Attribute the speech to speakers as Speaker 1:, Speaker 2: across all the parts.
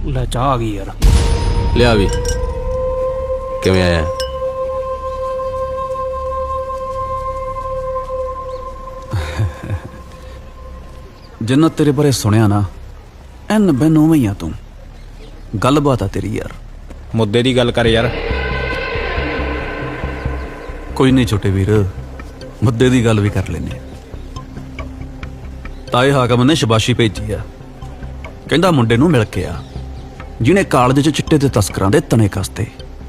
Speaker 1: ਲੈ ਚਾਹ ਆ ਗਈ ਯਾਰ।
Speaker 2: ਲਿਆ ਵੀ ਕਿਵੇਂ ਆਇਆ?
Speaker 3: ਜਿੰਨਾ ਤੇਰੇ ਬਾਰੇ ਸੁਣਿਆ ਨਾ ਐਨ ਬੈਨ ਉਵੇਂ ਹੀ ਆ ਤੂੰ। ਗੱਲਬਾਤ ਆ ਤੇਰੀ ਯਾਰ।
Speaker 4: ਮੁੱਦੇ ਦੀ ਗੱਲ ਕਰ ਯਾਰ।
Speaker 3: ਕੋਈ ਨਹੀਂ ਛੋਟੇ ਵੀਰ, ਮੁੱਦੇ ਦੀ ਗੱਲ ਵੀ ਕਰ ਲੈਨੇ। ਤਾਏ ਹਾਕਮ ਨੇ ਸ਼ਬਾਸ਼ੀ ਭੇਜੀ ਆ, ਕਹਿੰਦਾ ਮੁੰਡੇ ਨੂੰ ਮਿਲ ਕੇ ਆ ਜਿਹਨੇ ਕਾਲਜ 'ਚ ਚਿੱਟੇ ਤੇ ਤਸਕਰਾਂ ਦੇ ਤਣੇ ਕਸਤੇ।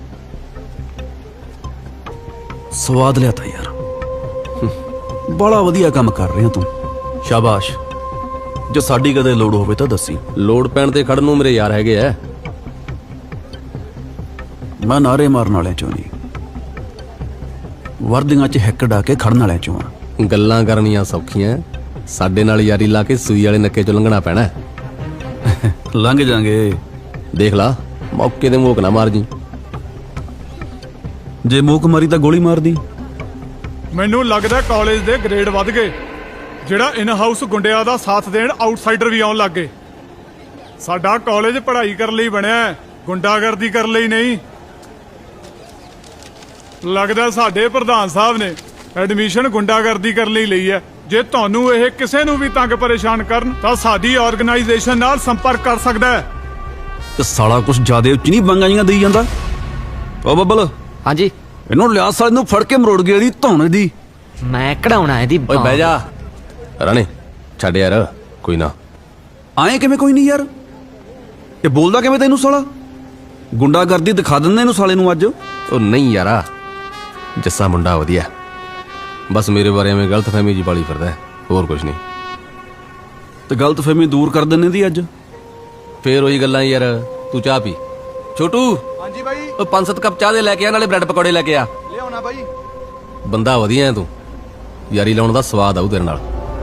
Speaker 3: ਸਵਾਦ ਲਿਆ ਤਾ ਯਾਰ, ਬੜਾ ਵਧੀਆ ਕੰਮ ਕਰ ਰਿਹਾ ਤੂੰ, ਸ਼ਾਬਾਸ਼। ਜੇ ਸਾਡੀ ਕਦੇ ਲੋੜ ਹੋਵੇ ਤਾਂ ਦੱਸੀ।
Speaker 2: ਲੋੜ ਪੈਣ ਤੇ ਖੜਨ ਨੂੰ ਮੇਰੇ ਯਾਰ ਹੈਗੇ ਐ।
Speaker 3: ਮੈਂ ਨਾਰੇ ਮਾਰਨ ਵਾਲਿਆਂ ਚੋਂ ਨਹੀਂ, ਵਰਦੀਆਂ 'ਚ ਹਿੱਕ ਡਾ ਕੇ ਖੜਨ ਵਾਲਿਆਂ ਚੋਂ ਆ।
Speaker 2: ਗੱਲਾਂ ਕਰਨੀਆਂ ਸੌਖੀਆਂ, ਸਾਡੇ ਨਾਲ ਯਾਰੀ ਲਾ ਕੇ ਸੂਈ ਵਾਲੇ ਨੱਕੇ ਚੋਂ ਲੰਘਣਾ ਪੈਣਾ।
Speaker 3: ਲੰਘ ਜਾਾਂਗੇ।
Speaker 2: ਦੇਖ ਲਾ ਮੌਕੇ ਤੇ ਮੋਕ ਨਾ ਮਾਰ ਜੀ।
Speaker 3: ਜੇ ਮੂਕ ਮਾਰੀ ਤਾਂ ਗੋਲੀ ਮਾਰਦੀ।
Speaker 5: ਮੈਨੂੰ ਲੱਗਦਾ ਕਾਲਜ ਦੇ ਗ੍ਰੇਡ ਵੱਧ ਗਏ, ਜਿਹੜਾ ਇਨ ਹਾਊਸ ਗੁੰਡਿਆਂ ਦਾ ਸਾਥ ਦੇਣ ਆਊਟਸਾਈਡਰ ਵੀ ਆਉਣ ਲੱਗ ਗਏ। ਸਾਡਾ ਕਾਲਜ ਪੜ੍ਹਾਈ ਕਰਨ ਲਈ ਬਣਿਆ, ਗੁੰਡਾਗਰਦੀ ਕਰਨ ਲਈ ਨਹੀਂ। ਲੱਗਦਾ ਸਾਡੇ ਪ੍ਰਧਾਨ ਸਾਹਿਬ ਨੇ ਐਡਮਿਸ਼ਨ ਗੁੰਡਾਗਰਦੀ ਕਰਨ ਲਈ ਲਈ ਹੈ। ਜੇ ਤੁਹਾਨੂੰ ਇਹ ਕਿਸੇ ਨੂੰ ਵੀ ਤੰਗ ਪਰੇਸ਼ਾਨ ਕਰਨ ਤਾਂ ਸਾਡੀ ਆਰਗੇਨਾਈਜੇਸ਼ਨ ਨਾਲ ਸੰਪਰਕ ਕਰ ਸਕਦਾ ਹੈ।
Speaker 3: ਤੇ ਸਾਲਾ ਕੁਛ ਜ਼ਿਆਦਾ ਉੱਚ ਨਹੀਂ ਬੰਗਾਂ ਜੀਆਂ ਦੇਈ ਜਾਂਦਾ। ਓ ਬੱਬਲ,
Speaker 6: ਹਾਂਜੀ
Speaker 3: ਇਹਨੂੰ ਲਿਆ ਸਾਲੇ ਨੂੰ ਫੜ ਕੇ ਮਰੋੜ ਗਿਆ ਦੀ ਧੌਣ ਦੀ।
Speaker 6: ਮੈਂ ਕਢਾਉਣਾ ਇਹਦੀ
Speaker 2: ਓਏ ਬਹਿ ਜਾ ਰਾਣੇ, ਛੱਡ ਯਾਰ ਕੋਈ ਨਾ।
Speaker 3: ਆਏ ਕਿਵੇਂ ਕੋਈ ਨਹੀਂ ਯਾਰ, ਇਹ ਬੋਲਦਾ ਕਿਵੇਂ ਤੈਨੂੰ ਸਾਲਾ? ਗੁੰਡਾਗਰਦੀ ਦਿਖਾ ਦਿੰਦੇ ਇਹਨੂੰ ਸਾਲੇ ਨੂੰ ਅੱਜ।
Speaker 2: ਉਹ ਨਹੀਂ ਯਾਰਾ, ਜੱਸਾ ਮੁੰਡਾ ਵਧੀਆ, ਬਸ ਮੇਰੇ ਬਾਰੇ ਐਵੇਂ ਗਲਤਫਹਿਮੀ ਜੀ ਪਾਲੀ ਫਿਰਦਾ, ਹੋਰ ਕੁਝ ਨਹੀਂ।
Speaker 3: ਤੇ ਗਲਤਫਹਿਮੀ ਦੂਰ ਕਰ ਦਿੰਨੇ ਦੀ ਅੱਜ।
Speaker 2: ਫੇਰ ਉਹੀ ਗੱਲਾਂ ਯਾਰ। ਤੂੰ ਚਾਹ ਪੀ। ਛੋਟੂ
Speaker 5: ਹਾਂਜੀ ਬਾਈ,
Speaker 2: ਉਹ 5-7 ਕੱਪ ਚਾਹ ਦੇ ਲੈ ਕੇ ਆ, ਨਾਲੇ ਬ੍ਰੈਡ ਪਕੌੜੇ ਲੈ ਕੇ ਆ।
Speaker 5: ਲਿਆਉਣਾ ਬਾਈ।
Speaker 2: ਬੰਦਾ ਵਧੀਆ ਤੂੰ, ਯਾਰੀ ਲਾਉਣ ਦਾ ਸਵਾਦ ਆਊ ਤੇਰੇ ਨਾਲ।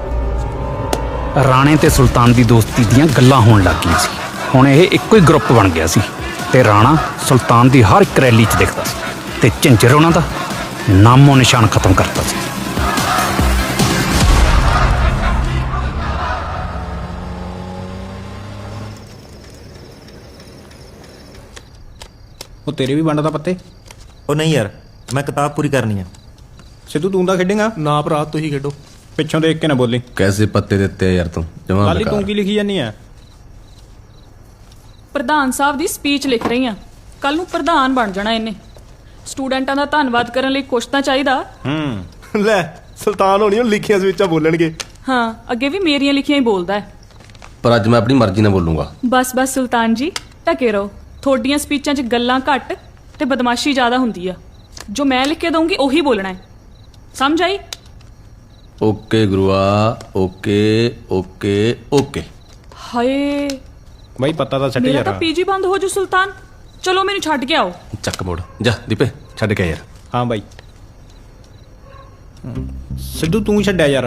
Speaker 1: ਰਾਣੇ ਤੇ ਸੁਲਤਾਨ ਦੀ ਦੋਸਤੀ ਦੀਆਂ ਗੱਲਾਂ ਹੋਣ ਲੱਗ ਗਈਆਂ ਸੀ। ਹੁਣ ਇਹ ਇੱਕੋ ਹੀ ਗਰੁੱਪ ਬਣ ਗਿਆ ਸੀ ਤੇ ਰਾਣਾ ਸੁਲਤਾਨ ਦੀ ਹਰ ਇੱਕ ਰੈਲੀ 'ਚ ਦਿਖਦਾ ਸੀ ਤੇ ਝੰਜਰ ਉਹਨਾਂ ਦਾ ਨਾਮੋ ਨਿਸ਼ਾਨ ਖਤਮ ਕਰਤਾ ਸੀ।
Speaker 4: ਉਹ ਤੇਰੇ ਵੀ ਵੰਡਦਾ ਪੱਤੇ।
Speaker 7: ਉਹ ਨਹੀਂ ਯਾਰ, ਮੈਂ ਕਿਤਾਬ ਪੂਰੀ ਕਰਨੀ ਆ।
Speaker 4: ਸਿੱਧੂ ਤੂੰ ਤਾਂ ਖੇਡੇਗਾ
Speaker 7: ਨਾ ਭਰਾ, ਤੁਸੀਂ ਖੇਡੋ।
Speaker 4: ਪਿੱਛੋਂ ਦੇਖ ਕੇ ਨਾ ਬੋਲੀ।
Speaker 2: ਕੈਸੇ ਪੱਤੇ ਦਿੱਤੇ ਆ ਯਾਰ ਤੂੰ, ਜਮਾ
Speaker 4: ਕੱਲ ਹੀ ਤੂੰ ਕੀ ਲਿਖੀ ਜਾਨੀ ਆ?
Speaker 8: ਪ੍ਰਧਾਨ ਸਾਹਿਬ ਦੀ ਸਪੀਚ ਲਿਖ ਰਹੀ ਆ। ਕੱਲ ਨੂੰ ਪ੍ਰਧਾਨ ਬਣ ਜਾਣਾ ਇਹਨੇ। ਸਟੂਡੈਂਟਾਂ ਦਾ ਧੰਨਵਾਦ ਕਰਨ ਲਈ ਕੁਛ ਤਾਂ ਚਾਹੀਦਾ।
Speaker 7: ਲੈ ਸੁਲਤਾਨ ਹੋਣੀ ਉਹ ਲਿਖੀਆਂ ਸਵਿਚਾਂ ਬੋਲਣਗੇ।
Speaker 8: ਹਾਂ, ਅੱਗੇ ਵੀ ਮੇਰੀਆਂ ਲਿਖੀਆਂ ਹੀ ਬੋਲਦਾ ਹੈ।
Speaker 2: ਪਰ ਅੱਜ ਮੈਂ ਆਪਣੀ ਮਰਜ਼ੀ ਨਾਲ ਬੋਲੂੰਗਾ।
Speaker 8: ਬਸ ਬਸ ਸੁਲਤਾਨ ਜੀ, ਟਕੇ ਰਹੋ। ਤੁਹਾਡੀਆਂ ਸਪੀਚਾਂ 'ਚ ਗੱਲਾਂ ਘੱਟ ਤੇ ਬਦਮਾਸ਼ੀ ਜ਼ਿਆਦਾ ਹੁੰਦੀ ਆ। ਜੋ ਮੈਂ ਲਿਖ ਕੇ ਦਊਂਗੀ ਉਹੀ ਬੋਲਣਾ ਹੈ, ਸਮਝ ਆਈ?
Speaker 2: ਓਕੇ ਗੁਰੂਆ, ਓਕੇ ਓਕੇ ਓਕੇ।
Speaker 8: ਹਾਏ,
Speaker 4: ਬਾਈ ਪੱਤਾ ਤਾਂ ਛੱਡ
Speaker 8: ਮੇਰਾ
Speaker 4: ਯਾਰ।
Speaker 8: ਤਾਂ ਪੀਜੀ ਬੰਦ ਹੋ ਜੂ ਸੁਲਤਾਨ। ਚਲੋ ਮੈਨੂੰ ਛੱਡ ਕੇ ਆਓ।
Speaker 2: ਚੱਕ ਮੋੜ ਜਾ ਦੀਪੇ, ਛੱਡ ਕੇ ਆ ਯਾਰ।
Speaker 4: ਹਾਂ ਬਾਈ। ਸਿੱਧੂ ਤੂੰ ਛੱਡਿਆ ਯਾਰ।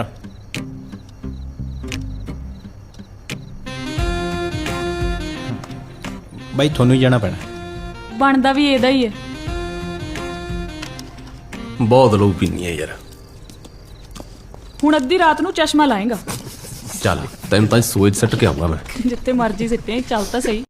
Speaker 4: ਬਾਈ ਤੁਹਾਨੂੰ ਹੀ ਜਾਣਾ ਪੈਣਾ।
Speaker 8: ਬਣਦਾ ਵੀ ਇਹਦਾ ਹੀ ਹੈ।
Speaker 2: ਬਹੁਤ ਲਊ ਪੀਣੀ ਹੈ ਯਾਰ।
Speaker 8: ਹੁਣ ਅੱਧੀ ਰਾਤ ਨੂੰ ਚਸ਼ਮਾ ਲਾਏਗਾ।
Speaker 2: ਚੱਲ ਤੈਨੂੰ ਤਾਂ ਸੋਚ ਸੱਟ ਕੇ ਆਉਂਗਾ ਮੈਂ।
Speaker 8: ਜਿੱਥੇ ਮਰਜੀ ਸਿੱਟੇ, ਚੱਲ ਤਾਂ ਸਹੀ।